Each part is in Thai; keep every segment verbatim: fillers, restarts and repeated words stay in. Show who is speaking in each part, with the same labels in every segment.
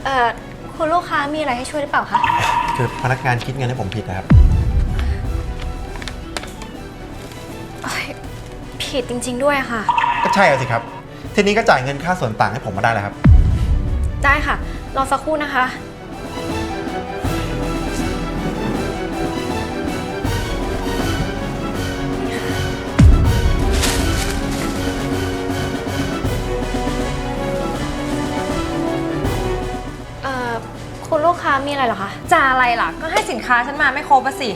Speaker 1: เอ่อคุณลูกค้ามีอะไรให้ช่วยหรือเปล่าคะ
Speaker 2: คือพนักงานคิดเงินให้ผมผิดนะครับ
Speaker 1: ผิดจริงๆด้วยค่ะ
Speaker 2: ก็ใช่สิครับทีนี้ก็จ่ายเงินค่าส่วนต่างให้ผมมาได้แล้วครับ
Speaker 1: ได้ค่ะรอสักครู่นะคะเอ่อคุณลูกค้ามีอะไรเหรอคะ
Speaker 3: จะอะไรล่ะก็ให้สินค้าฉันมาไม่ครบอะสิ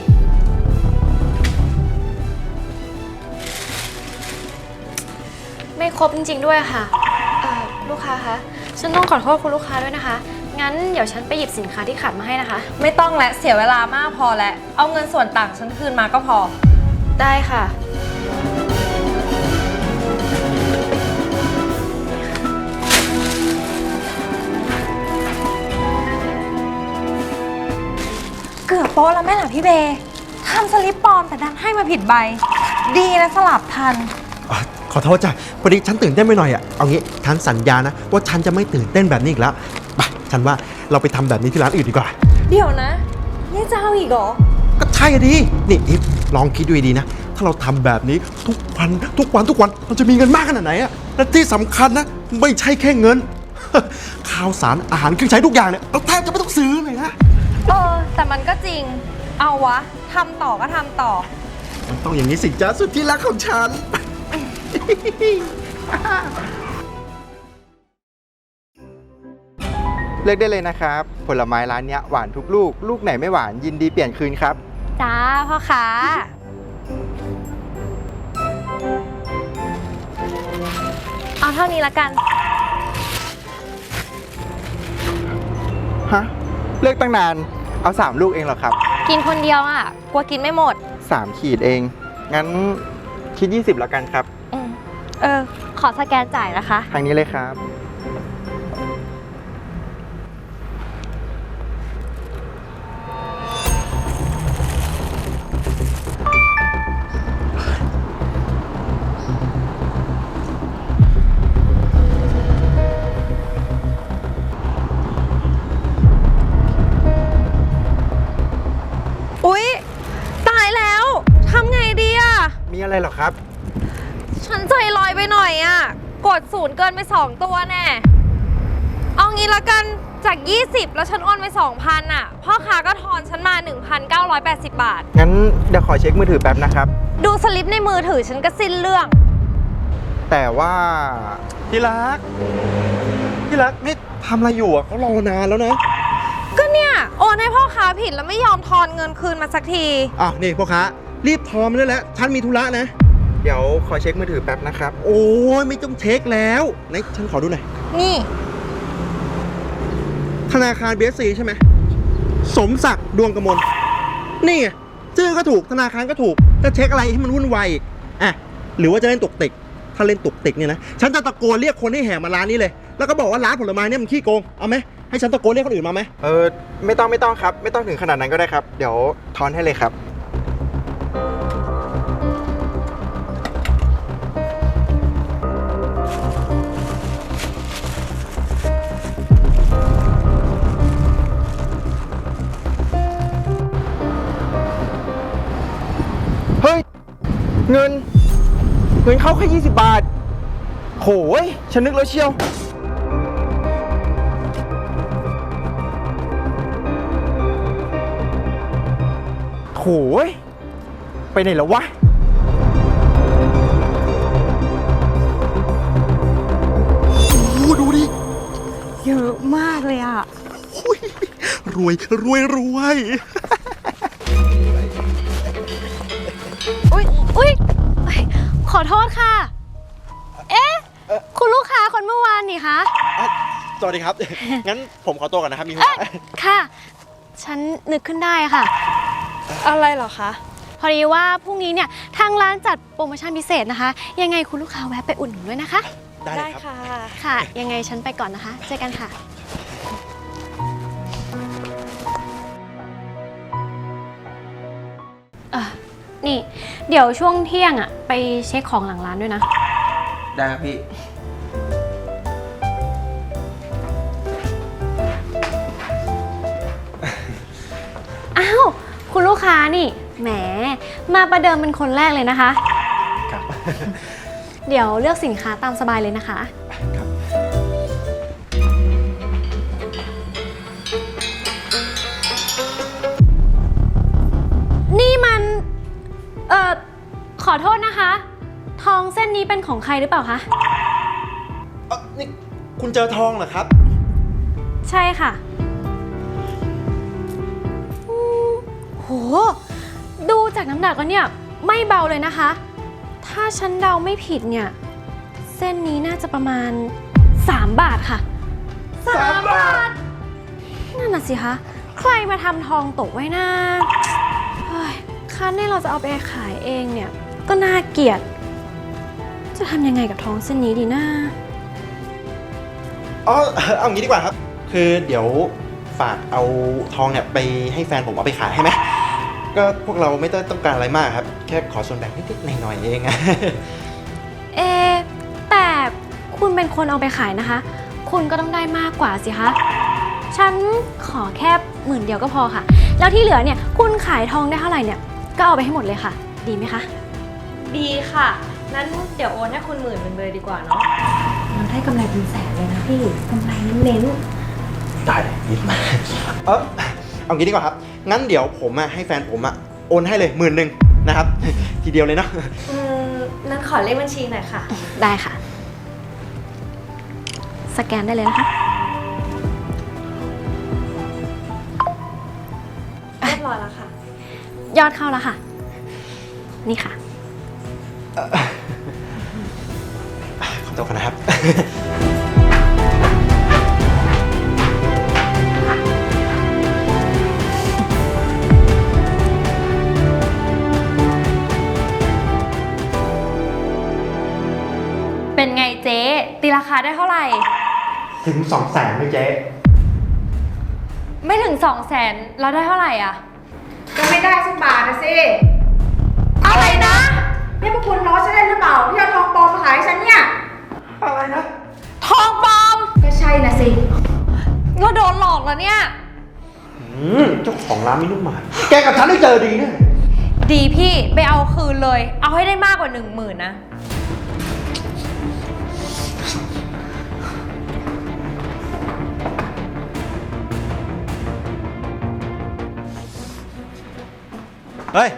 Speaker 1: ไม่ครบจริงๆด้วยค่ะเอ่อลูกค้าคะฉันต้องขอโทษคุณลูกค้าด้วยนะคะงั้นเดี๋ยวฉันไปหยิบสินค้าที่ขาดมาให้นะคะ
Speaker 3: ไม่ต้องและเสียเวลามากพอแล้วเอาเงินส่วนต่างฉันคืนมาก็พอ
Speaker 1: ได้ค่ะ
Speaker 3: เกือบโป๊ะแล้วแม่หล่ะพี่เบย์ทำสลิปปลอมแต่ดันให้มาผิดใบดีนะสลับทัน
Speaker 2: ขอโทษจ้ะพอดีฉันตื่นเต้นไปหน่อยอ่ะเอางี้ฉันสัญญานะว่าฉันจะไม่ตื่นเต้นแบบนี้อีกแล้วไปฉันว่าเราไปทำแบบนี้ที่ร้านอื่นดีกว่า
Speaker 3: เดี๋ยวนะนี่จะเอาอีกเหรอ
Speaker 2: ก็ใช่ดินี่อีฟลองคิดดูดีนะถ้าเราทำแบบนี้ทุกวันทุกวันทุกวันเราจะมีเงินมากขนาดไหนอ่ะและที่สำคัญนะไม่ใช่แค่เงิน ข้าวสารอาหารเครื่องใช้ทุกอย่างเนี่ยเราแทบจะไม่ต้องซื้อเลยนะ
Speaker 3: เออแต่มันก็จริงเอาวะทำต่อก็ทำต่อ
Speaker 2: มันต้องอย่างนี้สิจ้าสุดที่รักของฉันเลือกได้เลยนะครับผลไม้ร้านเนี้ยหวานทุกลูกลูกไหนไม่หวานยินดีเปลี่ยนคืนครับ
Speaker 3: จ้าพ่อค้าเอาเท่านี้ละกัน
Speaker 2: ฮะเลือกตั้งนานเอาสามลูกเองเหรอครับ
Speaker 3: กินคนเดียวอ่ะกลัวกินไม่หมด
Speaker 2: สามขีดเองงั้นคิดยี่สิบแล้วกันครับ
Speaker 3: เออขอสแกนจ่ายนะคะ
Speaker 2: ทางนี้เลยครับ
Speaker 3: อุ๊ยตายแล้วทำไงดีอ่ะ
Speaker 2: มีอะไรหรอครับ
Speaker 3: ฉันใจลอยไปหน่อยอ่ะกดศูนย์เกินไปสองตัวแน่เอางี้ละกันจากยี่สิบแล้วฉันโอนไป สองพัน อ่ะพ่อค้าก็ทอนฉันมา หนึ่งพันเก้าร้อยแปดสิบ บาท
Speaker 2: งั้นเดี๋ยวขอเช็คมือถือแป๊บนะครับ
Speaker 3: ดูสลิปในมือถือฉันก็สิ้นเรื่อง
Speaker 2: แต่ว่าที่รักที่รักนี่ทำอะไรอยู่อ่ะเขารอนานแล้วนะ
Speaker 3: ก็เนี่ยโอนให้พ่อค้าผิดแล้วไม่ยอมทอนเงินคืนมาสักที
Speaker 2: อ้าวนี่พ่อค้ารีบทอนมาได้แล้วฉันมีธุระนะเดี๋ยวขอเช็คมือถือแป๊บนะครับโอ้ยไม่ต้องเช็คแล้วไหนฉันขอดูหน่อย
Speaker 3: นี่
Speaker 2: ธนาคาร บี เอส ซี ใช่ไหมสมศักดิ์ดวงกมลนี่ไงชื่อก็ถูกธนาคารก็ถูกจะเช็คอะไรให้มันวุ่นวายอีกอ่ะหรือว่าจะเล่นตุกติกถ้าเล่นตุกติกเนี่ยนะฉันจะตะโกนเรียกคนให้แห่มาร้านนี้เลยแล้วก็บอกว่าร้านผลไม้เนี่ยมันขี้โกงเอาไหมให้ฉันตะโกนเรียกคนอื่นมาไหมเออไม่ต้องไม่ต้องครับไม่ต้องถึงขนาดนั้นก็ได้ครับเดี๋ยวทอนให้เลยครับเฮ้ยเงินเงินเข้าแค่ยี่สิบบาทโหยฉันนึกแล้วเชียวโหยไปไหนแล้ววะโอ้ดูดิ
Speaker 3: เยอะมากเลยอ่ะ
Speaker 2: รวยรวยรวย
Speaker 1: อุ๊ยอุ๊ยขอโทษค่ะเอ๊ะคุณลูกค้าคนเมื่อวานนี่คะ
Speaker 2: สวัสดีครับงั้นผมขอตัวก่อนนะครับมีธุ
Speaker 1: ระค่ะฉันนึกขึ้นได้ค่ะ
Speaker 3: อะไรเหรอคะ
Speaker 1: พอดีว่าพรุ่งนี้เนี่ยทางร้านจัดโปรโมชั่นพิเศษนะคะยังไงคุณลูกค้าแวะไปอุดหนุนด้วยนะคะ
Speaker 2: ได้
Speaker 3: ค่ะ
Speaker 1: ค่ะยังไงฉันไปก่อนนะคะเจอกันค่ะเออนี่เดี๋ยวช่วงเที่ยงอ่ะไปเช็คของหลังร้านด้วยนะ
Speaker 2: ได้ครับพี่
Speaker 1: คุณลูกค้านี่ แหม มาประเดิมเป็นคนแรกเลยนะคะ
Speaker 2: ครับ
Speaker 1: เดี๋ยวเลือกสินค้าตามสบายเลยนะคะ
Speaker 2: ครับ
Speaker 1: นี่มัน เอ่อ ขอโทษนะคะ ทองเส้นนี้เป็นของใครหรือเปล่าคะ
Speaker 2: เอ่อนี่คุณเจอทองเหรอครับ
Speaker 1: ใช่ค่ะอืมโห ดูจากน้ำหนักแล้วเนี่ย ไม่เบาเลยนะคะ ถ้าฉันเดาไม่ผิดเนี่ย เส้นนี้น่าจะประมาณ สาม บาทค่ะ
Speaker 2: สามบาท
Speaker 1: นั่นน่ะสิคะ ใครมาทำทองตกไว้นะเฮ้ยคันนี่เราจะเอาไปขายเองเนี่ย ก็น่าเกลียด จะทำยังไงกับทองเส้นนี้ดีนะ
Speaker 2: อ๋อ เอางี้ดีกว่าครับ คือเดี๋ยวฝากเอาทองเนี่ยไปให้แฟนผมเอาไปขายให้ไหม ก็พวกเราไม่ต้องต้องการอะไรมากครับ แค่ขอส่วนแบ่งนิดๆหน่อยๆเอง
Speaker 1: เอะแต่คุณเป็นคนเอาไปขายนะคะ คุณก็ต้องได้มากกว่าสิคะ ฉันขอแค่หมื่นเดียวก็พอค่ะ แล้วที่เหลือเนี่ย คุณขายทองได้เท่าไหร่เนี่ย ก็เอาไปให้หมดเลยค่ะ ดีไหมคะ
Speaker 3: ดีค่ะ นั้นเดี๋ยวโอนให้คุณหมื่นเป็นเบอร์ดีกว่าเนาะ
Speaker 1: เราได้กำไรเป็นแสนเลยนะพี่กำไรเน้น
Speaker 2: ได้เลยยิบมาเออเอางี้ดีกว่าครับ งั้นเดี๋ยวผมอะให้แฟนผมอะโอนให้เลยหมื่นหนึ่งนะครับ ทีเดียวเลยเนาะ
Speaker 3: อืม นั้นขอเลขบัญชีหน่อยค่ะ
Speaker 1: ๆได้ค่ะ สแกนได้เลยนะคะ
Speaker 3: เรียบร้อยแล้วค่ะ
Speaker 1: ยอดเข้าแล้วค่ะ นี่ค่ะ
Speaker 2: ขอตัวก่อนนะครับ
Speaker 3: เป็นไงเจ๊ตีราคาได้เท่าไหร่
Speaker 2: ถึงสองแสนไหมเจ๊
Speaker 3: ไม่ถึงสองแสนเราได้เท่าไหร่อ่ะ
Speaker 4: ก็ไม่ได้สักบาทนะสิ
Speaker 3: อะไรนะ
Speaker 4: นี่พวกคุณล้อฉันได้หรือเปล่าที่เอาทองปลอมมาขายให้ฉันเนี่ย
Speaker 2: อะไรนะ
Speaker 3: ทองปลอม
Speaker 4: ก็ใช่นะสิ
Speaker 3: เราโดนหลอกแล้วเนี่ย
Speaker 2: อืมเจ้าของร้านไม่นุ่มหมายแกกับฉันได้เจอดีแน่
Speaker 3: ดีพี่ไปเอาคืนเลย เอาให้ได้มากกว่าหนึ่งหมื่นนะ
Speaker 2: เฮ้ย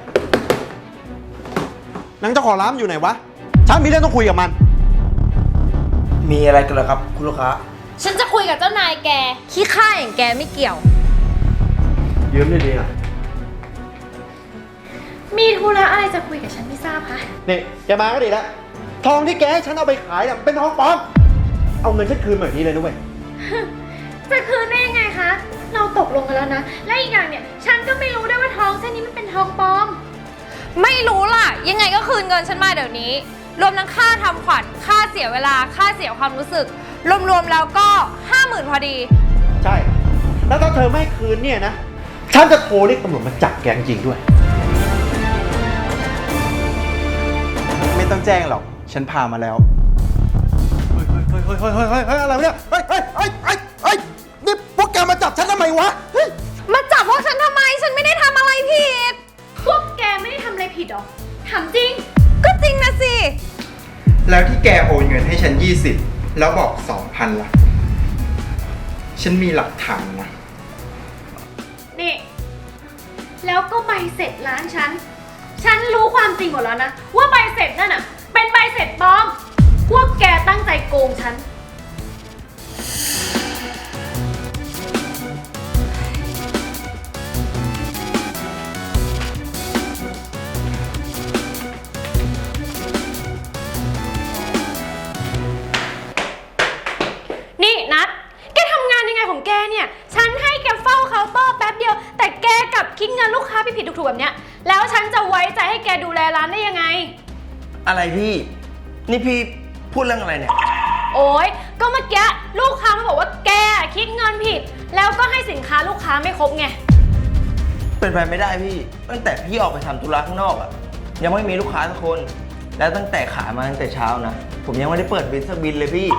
Speaker 2: นางเจ้าของร้านอยู่ไหนวะ ฉันมีเรื่องต้องคุยกับมัน
Speaker 5: มีอะไรกันเหรอครับคุณลูกค้า
Speaker 3: ฉันจะคุยกับเจ้านายแก ขี้ข้าอย่างแกไม่เกี่ยว
Speaker 2: ยืมได้ดีนะ
Speaker 1: มีธุระอะไรจะคุยกับฉันไม่ทราบคะ
Speaker 2: นี่แกมาก็ดีแล้ว ทองที่แกให้ฉันเอาไปขายเนี่ยเป็นทองปลอม เอาเงินฉันคืนแบบนี้เลยนะเว้ย
Speaker 1: จะคืนได้ยังไงคะ เราตกลงกันแล้วนะ และอีกอย่างเนี่ย ฉันก็ไม่รู้ด้วยว่าทองเส้นนี้มันเป็นทองปลอม
Speaker 3: ไม่รู้ล่ะ ยังไงก็คืนเงินฉันมาเดี๋ยวนี้ รวมทั้งค่าทำขวัญ ค่าเสียเวลา ค่าเสียความรู้สึก รวมๆแล้วก็ห้าหมื่นพอดี
Speaker 2: ใช่ แล้วถ้าเธอไม่คืนเนี่ยนะ ฉันจะโทรเรียกตำรวจมาจับแกจริงๆด้วย
Speaker 5: ไม่ต้องแจ้งหรอก ฉันพามาแล้ว
Speaker 2: เฮ้ยเฮ้ยเฮ้ยเฮ้ยเฮ้ยเฮ้ยเฮ้ยอะไรวะเนี่ย เฮ้ยเฮ้ยเฮ้ยเฮ้ยเฮ้ยนี่พวกแกมาจับฉันทำไมวะ เฮ้ย
Speaker 3: มาจับพวกฉันทำไม ฉันไม่ได้ทำอะไรผิด
Speaker 1: พวกแกไม่ได้ทำอะไรผิดหรอ ถามจริง
Speaker 3: ก็จริงนะสิ
Speaker 5: แล้วที่แกโอนเงินให้ฉันยี่สิบแล้วบอกสองพันล่ะ ฉันมีหลักฐานนะ
Speaker 1: นี่ แล้วก็ใบเสร็จร้านฉัน ฉันรู้ความจริงหมดแล้วนะ ว่าใบเสร็จนั่นน่ะ เป็นใบเสร็จปลอม พวกแกตั้งใจโกงฉัน นี่นัดแกทำงานยังไงของแกเนี่ย ฉันให้แกเฝ้าเคาน์เตอร์แป๊บเดียว แต่แกกลับคิดเงินลูกค้าผิดๆถูกๆแบบเนี้ย แล้วฉันจะไว้ใจให้แกดูแลร้านได้ยังไง
Speaker 5: อะไรพี่ นี่พี่พูดเรื่องอะไรเนี่ย
Speaker 1: โอ๊ย ก็เมื่อกี้ลูกค้ามาบอกว่าแกคิดเงินผิด แล้วก็ให้สินค้าลูกค้าไม่ครบไง
Speaker 5: เป็นไปไม่ได้พี่ ตั้งแต่พี่ออกไปทำธุระข้างนอกอะยังไม่มีลูกค้าสักคน แล้วตั้งแต่ขายมาตั้งแต่เช้านะ ผมยังไม่ได้เปิดบินสักบินเลยพี่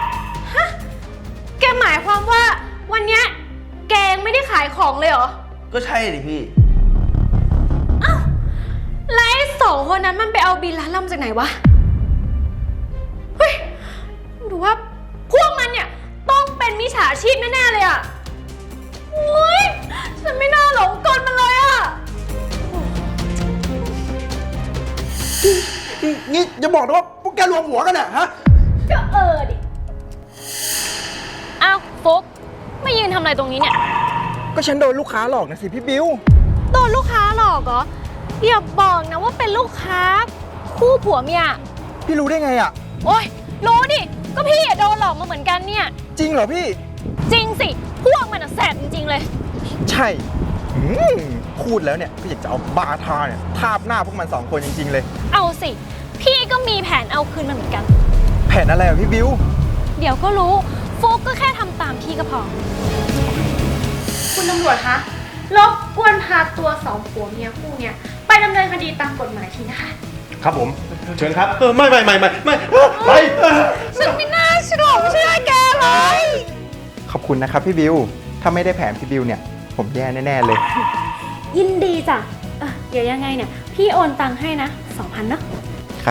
Speaker 1: แกหมายความว่าวันเนี้ยแกยังไม่ได้ขายของเลยเหรอ
Speaker 5: ก็ใช่ดิพี่
Speaker 1: วันนั้นมันไปเอาบินร้านเรามาจากไหนวะ เฮ้ยหรือว่าพวกมันเนี่ยต้องเป็นมิจฉาชีพแน่ๆเลยอะโอ๊ยฉันไม่น่าหลงกลมันเลยอะ
Speaker 2: นี่อย่าบอกนะว่าพวกแกรวมหัวกันอะฮะ
Speaker 1: ก็เออดิ อ้าวฟุกไม่ยืนทำอะไรตรงนี้เนี่ย
Speaker 2: ก็ฉันโดนลูกค้าหลอกนะสิพี่บิว
Speaker 1: โดนลูกค้าหลอกเหรอ อย่าบอกนะว่าเป็นลูกค้าคู่ผัวเมีย
Speaker 2: พี่รู้ได้ไงอะ
Speaker 1: โอ๊ยรู้ดิ ก็พี่อะโดนหลอกมาเหมือนกันเนี่ย
Speaker 2: จริงเหรอพี่
Speaker 1: จริงสิ พวกมันอะแสบจริงๆเลย
Speaker 2: ใช่อืมพูดแล้วเนี่ยก็อยากจะเอาบาทาเนี่ยทาบหน้าพวกมันสองคนจริงๆเลย
Speaker 1: เอาสิ พี่ก็มีแผนเอาคืนมันเหมือนกัน
Speaker 2: แผนอะไรอะพี่บิว
Speaker 1: เดี๋ยวก็รู้ฟุกก็แค่ทำตามพี่ก็พอ
Speaker 4: คุณตำรวจคะรบกวนพาตัวสองผัวเมียคู่เนี่ยไปดำเนินคดีตามกฎหมายทีนะคะ
Speaker 6: ครับผม เชิญครับ
Speaker 2: เออไม่ไม่ไม่ไม่ไม่ไป
Speaker 1: ฉันไม่น่าเชื่อเชื่อแกเลย
Speaker 2: ขอบคุณนะครับพี่บิว ถ้าไม่ได้แผนพี่บิวเนี่ย ผมแย่แน่ๆเลย
Speaker 1: ยินดีจ้ะเอ่อเดี๋ยวยังไงเนี่ย พี่โอนตังค์ให้นะสองพันเนาะ
Speaker 2: ครับ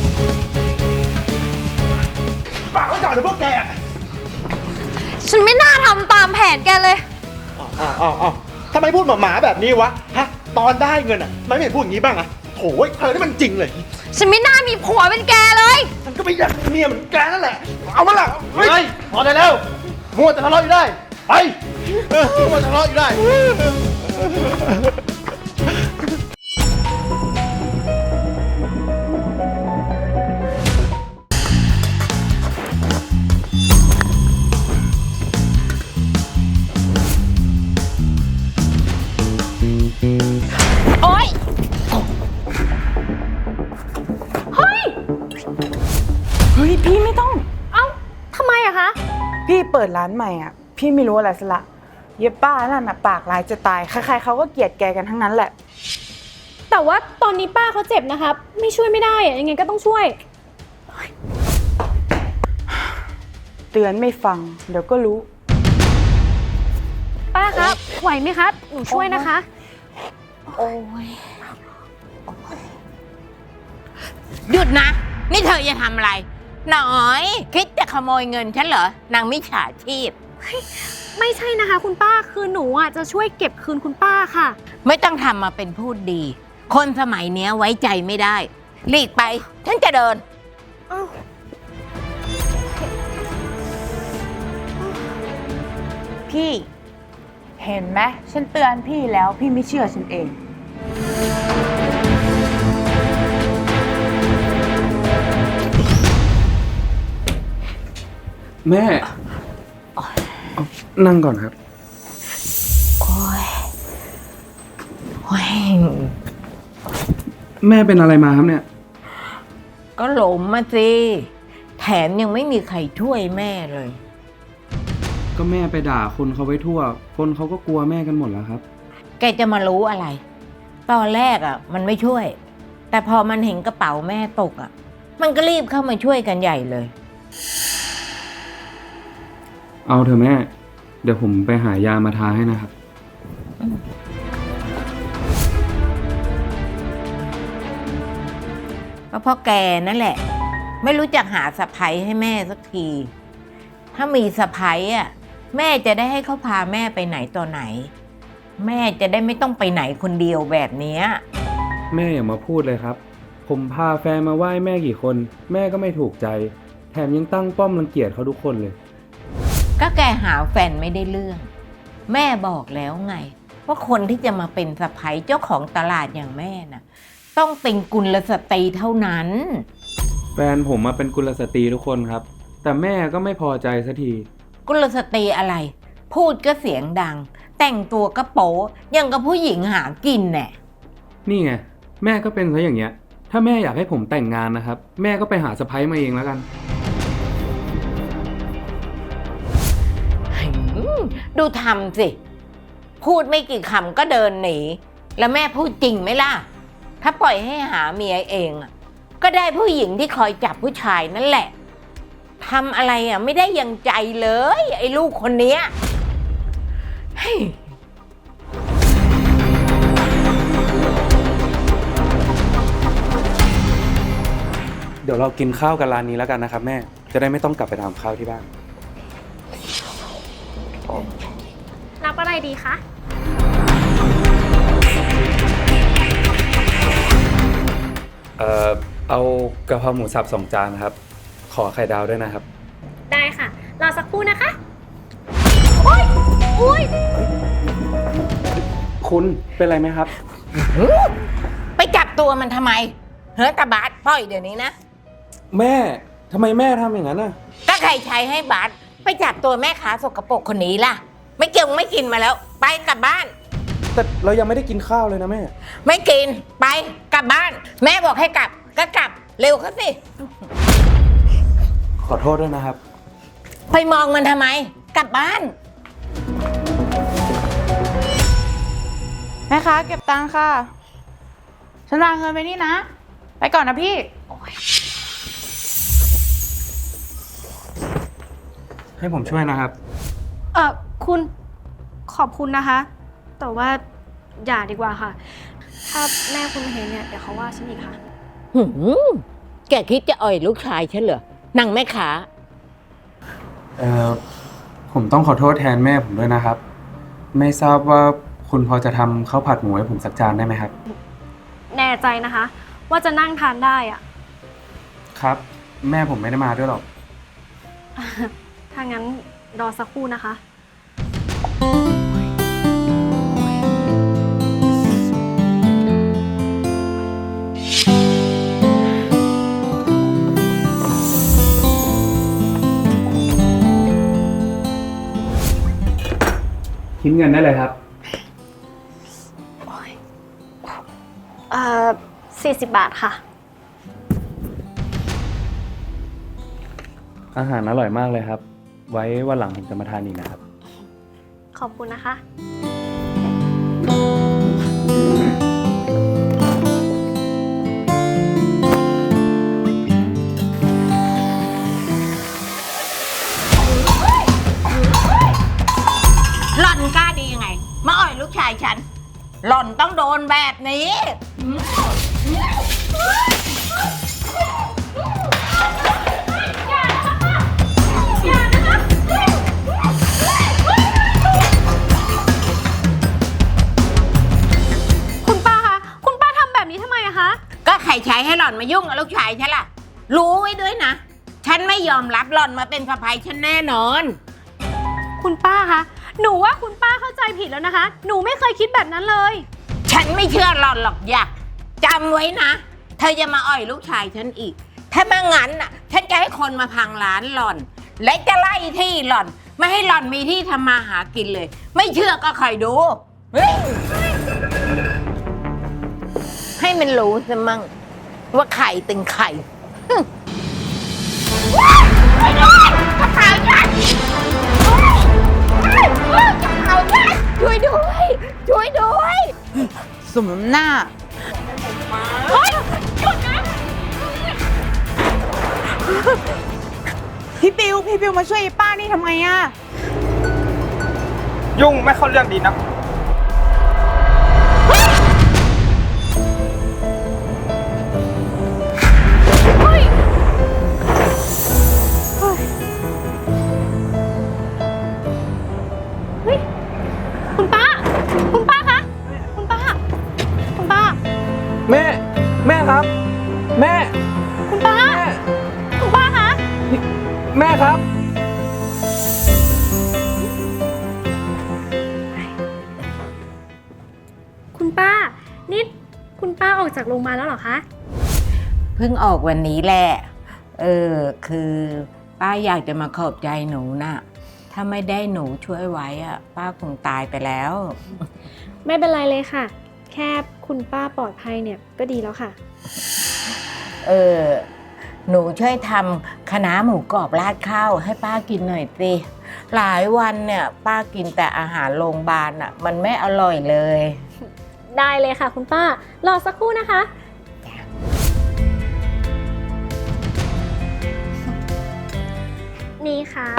Speaker 6: ฝากไว้ก่อนเถอะพวกแก
Speaker 3: ฉันไม่น่าทำตามแผนแกเลย
Speaker 6: อ้าวอ้าวอ้าวทำไมพูดหมาๆแบบนี้วะ ฮะ ตอนได้เงินอ่ะทำไมไม่เห็นพูดอย่างนี้บ้างอ่ะโถ่เธอนี่มันจริงเลย
Speaker 3: ฉันไม่น่ามีผัวเป็นแกเลย
Speaker 6: ฉันก็ไม่อยากมีเมียเหมือนแกนั่นแหละ เอามาละเฮ้ยพอได้แล้ว มัวแต่ทะเลาะอยู่ได้ ไปเออมัวแต่ทะเลาะอยู่ได้
Speaker 1: โอ๊ย เฮ้ย
Speaker 7: เฮ้ยพี่ไม่ต้อง
Speaker 1: เอ้าทำไมอะคะ
Speaker 7: พี่เปิดร้านใหม่อ่ะ พี่ไม่รู้อะไรซะละเย็บป้านั่นน่ะปากลายจะตายใครๆเขาก็เกลียดแกกันทั้งนั้นแหละ
Speaker 1: แต่ว่าตอนนี้ป้าเขาเจ็บนะครับ ไม่ช่วยไม่ได้อะยังไงก็ต้องช่วย
Speaker 7: เตือนไม่ฟัง เดี๋ยวก็รู้
Speaker 1: ป้าครับ ไหวไหมครับ หนูช่วยนะคะ
Speaker 7: โอ้ย
Speaker 8: หยุดนะ นี่เธอจะทำอะไร หน่อย คิดจะขโมยเงินฉันเหรอนางมิจฉาชีพ
Speaker 1: ไม่ใช่นะคะ คุณป้า คือหนูอ่ะจะช่วยเก็บคืนคุณป้าค่ะ
Speaker 8: ไม่ต้องทำมาเป็นพูดดี คนสมัยเนี้ยไว้ใจไม่ได้หลีกไป ฉันจะเดิน
Speaker 7: พี่ เห็นไหมฉันเตือนพี่แล้วพี่ไม่เชื่อฉันเอง
Speaker 9: แม่เอานั่งก่อนครับ
Speaker 8: โอ้ยโอ้ย
Speaker 9: แม่เป็นอะไรมาครับเนี่ย
Speaker 8: ก็หลมมาสิ แถมยังไม่มีใครช่วยแม่เลย
Speaker 9: ก็แม่ไปด่าคนเขาไว้ทั่ว คนเขาก็กลัวแม่กันหมดแล้วครับ
Speaker 8: แกจะมารู้อะไร ตอนแรกอ่ะ มันไม่ช่วย แต่พอมันเห็นกระเป๋าแม่ตกอ่ะ มันก็รีบเข้ามาช่วยกันใหญ่เลย
Speaker 9: เอาเถอะแม่ เดี๋ยวผมไปหายามาทาให้นะครับ
Speaker 8: ก็เพราะแกนั่นแหละ ไม่รู้จักหาสะพ้ยให้แม่สักที ถ้ามีสะพ้ยอ่ะแม่จะได้ให้เขาพาแม่ไปไหนต่อไหน แม่จะได้ไม่ต้องไปไหนคนเดียวแบบเนี้ย
Speaker 9: แม่อย่ามาพูดเลยครับ ผมพาแฟนมาไหว้แม่กี่คน แม่ก็ไม่ถูกใจ แถมยังตั้งป้อมรังเกียจเขาทุกคนเลย
Speaker 8: ก็แกหาแฟนไม่ได้เรื่อง แม่บอกแล้วไง ว่าคนที่จะมาเป็นสะพ้ยเจ้าของตลาดอย่างแม่น่ะ ต้องเป็นกุลสตรีเท่านั้น
Speaker 9: แฟนผมมาเป็นกุลสตรีทุกคนครับ แต่แม่ก็ไม่พอใจสักที
Speaker 8: กุลสตรีอะไร พูดก็เสียงดัง แต่งตัวก็โป๊ยังกับผู้หญิงหากินแน่
Speaker 9: นี่ไงแม่ก็เป็นซะอย่างเงี้ย ถ้าแม่อยากให้ผมแต่งงานนะครับ แม่ก็ไปหาสะใภ้มาเองแล้วกัน
Speaker 8: ดูทำสิ พูดไม่กี่คำก็เดินหนี แล้วแม่พูดจริงไหมล่ะ ถ้าปล่อยให้หาเมียเองอะก็ได้ผู้หญิงที่คอยจับผู้ชายนั่นแหละทำอะไรอ่ะไม่ได้ยังใจเลย ไอ้ลูกคนเนี้ยเฮ้ย
Speaker 9: ดี๋ยวเรากินข้าวกันร้านนี้แล้วกันนะครับแม่ จะได้ไม่ต้องกลับไปทำข้าวที่บ้าน
Speaker 4: รับอะไรดีคะ
Speaker 9: เอ่อ เอากะเพราหมูสับสองจานครับ ขอไข่ดาวด้วยนะครับ
Speaker 4: ได้ค่ะ รอสักครู่นะคะ โอ๊ยอุ๊ย
Speaker 9: คุณเป็นไรไหมครับ
Speaker 8: ไปจับตัวมันทำไม เฮ้ยตาบาสปล่อยเดี๋ยวนี้นะ
Speaker 9: แม่ทำไมแม่ทำอย่างนั้นน่ะ
Speaker 8: ก็ใครใช้ให้บาสไปจับตัวแม่ค้าสกปรกคนนี้ล่ะ ไม่เกี่ยวไม่กินมาแล้ว ไปกลับบ้าน
Speaker 9: แต่เรายังไม่ได้กินข้าวเลยนะแม่
Speaker 8: ไม่กินไปกลับบ้าน แม่บอกให้กลับก็กลับเร็วเขาสิ
Speaker 9: ขอโทษด้วยนะครับ
Speaker 8: ไปมองมันทำไม กลับบ้าน
Speaker 7: แม่ค้าเก็บตังค่ะ ฉันวางเงินไปนี่นะ ไปก่อนนะพี่
Speaker 9: ให้ผมช่วยนะครับ
Speaker 1: เออคุณขอบคุณนะคะ แต่ว่าอย่าดีกว่าค่ะ ถ้าแม่คุณมาเห็นเนี่ยเดี๋ยวเขาว่าฉันอีกค่ะ
Speaker 8: หืมแกคิดจะอ่อยลูกชายฉันเหรอนั่งแม่ค้า
Speaker 9: เอ่อ ผมต้องขอโทษแทนแม่ผมด้วยนะครับ ไม่ทราบว่าคุณพอจะทำข้าวผัดหมูให้ผมสักจานได้ไหมครับ
Speaker 1: แน่ใจนะคะ ว่าจะนั่งทานได้อะ
Speaker 9: ครับ แม่ผมไม่ได้มาด้วยหรอก
Speaker 1: ถ้างั้นรอสักครู่นะคะ
Speaker 9: คิดเงินได้เลยครับ
Speaker 1: เอ่อสี่สิบบาทค่ะ
Speaker 9: อาหารอร่อยมากเลยครับ ไว้วันหลังผมจะมาทานอีกนะครับ
Speaker 1: ขอบคุณนะคะ
Speaker 8: หล่อนกล้าดียังไง มาอ่อยลูกชายฉัน หล่อนต้องโดนแบบนี้
Speaker 1: คุณป้าคะ คุณป้าทำแบบนี้ทำไมอะคะ
Speaker 8: ก็ใครใช้ให้หล่อนมายุ่งกับลูกชายฉันล่ะ รู้ไว้ด้วยนะ ฉันไม่ยอมรับหล่อนมาเป็นสะใภ้ฉันแน่นอน
Speaker 1: คุณป้าคะ หนูว่าคุณป้าเข้าใจผิดแล้วนะคะ หนูไม่เคยคิดแบบนั้นเลย
Speaker 8: ฉันไม่เชื่อหล่อนหรอกอยากจำไว้นะ เธอจะมาอ่อยลูกชายฉันอีก ถ้าไม่งั้นน่ะ ฉันจะให้คนมาพังร้านหล่อน และจะไล่ที่หล่อน ไม่ให้หล่อนมีที่ทำมาหากินเลย ไม่เชื่อก็คอยดูเฮ้ยให้มันรู้ซะมั่งว่าไข่ตึงไข่ไปด้วยกระเป๋าฉันช่วยด้วย ช่วยด้วย
Speaker 7: สมน้ำหน้า
Speaker 8: เฮ้ยหยุดนะ
Speaker 7: พี่ปิว พี่ปิวมาช่วยไอ้ป้านี่ทำไงอะ
Speaker 6: ยุ่งไม่เข้าเรื่องดีนะ
Speaker 1: คุณป้า คุณป้าคะ คุณป้า คุณป้า
Speaker 9: แม่ แม่ครับ แม่
Speaker 1: คุณป้า คุณป้าคะ
Speaker 9: แม่ครับ
Speaker 1: คุณป้า นี่คุณป้าออกจากโรงพยาบาลแล้วเหรอคะ
Speaker 8: เพิ่งออกวันนี้แหละ เออ คือป้าอยากจะมาขอบใจหนูน่ะ ถ้าไม่ได้หนูช่วยไว้อะป้าคงตายไปแล้ว
Speaker 1: ไม่เป็นไรเลยค่ะ แค่คุณป้าปลอดภัยเนี่ยก็ดีแล้วค่ะ
Speaker 8: เออ หนูช่วยทำคะน้าหมูกรอบราดข้าวให้ป้ากินหน่อยสิ หลายวันเนี่ย ป้ากินแต่อาหารโรงพยาบาลอะมันไม่อร่อยเลย
Speaker 1: ได้เลยค่ะ คุณป้า รอสักครู่นะคะ นี่ค่ะ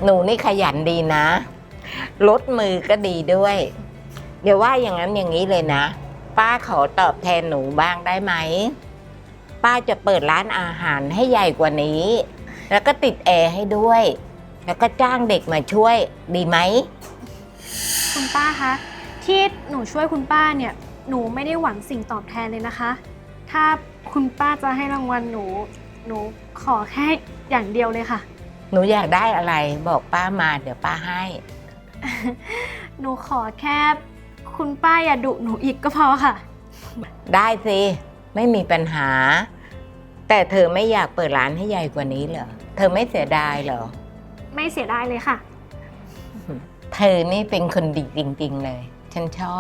Speaker 8: หนูนี่ขยันดีนะ ลดมือก็ดีด้วยเดี๋ยวว่าอย่างนั้นอย่างนี้เลยนะ ป้าขอตอบแทนหนูบ้างได้ไหม ป้าจะเปิดร้านอาหารให้ใหญ่กว่านี้ แล้วก็ติดแอร์ให้ด้วย แล้วก็จ้างเด็กมาช่วยดีไหม
Speaker 1: คุณป้าคะ ที่หนูช่วยคุณป้าเนี่ย หนูไม่ได้หวังสิ่งตอบแทนเลยนะคะ ถ้าคุณป้าจะให้รางวัลหนู หนูขอแค่อย่างเดียวเลยค่ะ
Speaker 8: หนูอยากได้อะไรบอกป้ามาเดี๋ยวป้าให้
Speaker 1: หนูขอแค่คุณป้าอย่าดุหนูอีกก็พอค่ะ
Speaker 8: ได้สิไม่มีปัญหา แต่เธอไม่อยากเปิดร้านให้ใหญ่กว่านี้เหรอเธอไม่เสียดายเหรอ
Speaker 1: ไม่เสียดายเลยค่ะ
Speaker 8: เธอนี่เป็นคนดีจริงๆเลย ฉันชอบ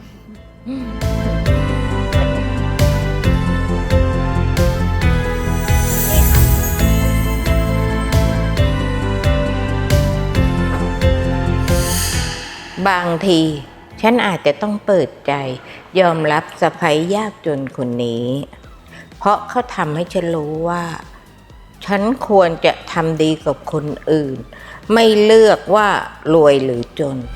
Speaker 8: บางที ฉันอาจจะต้องเปิดใจยอมรับสะใภ้ยากจนคนนี้ เพราะเขาทำให้ฉันรู้ว่า ฉันควรจะทำดีกับคนอื่น ไม่เลือกว่ารวยหรือจน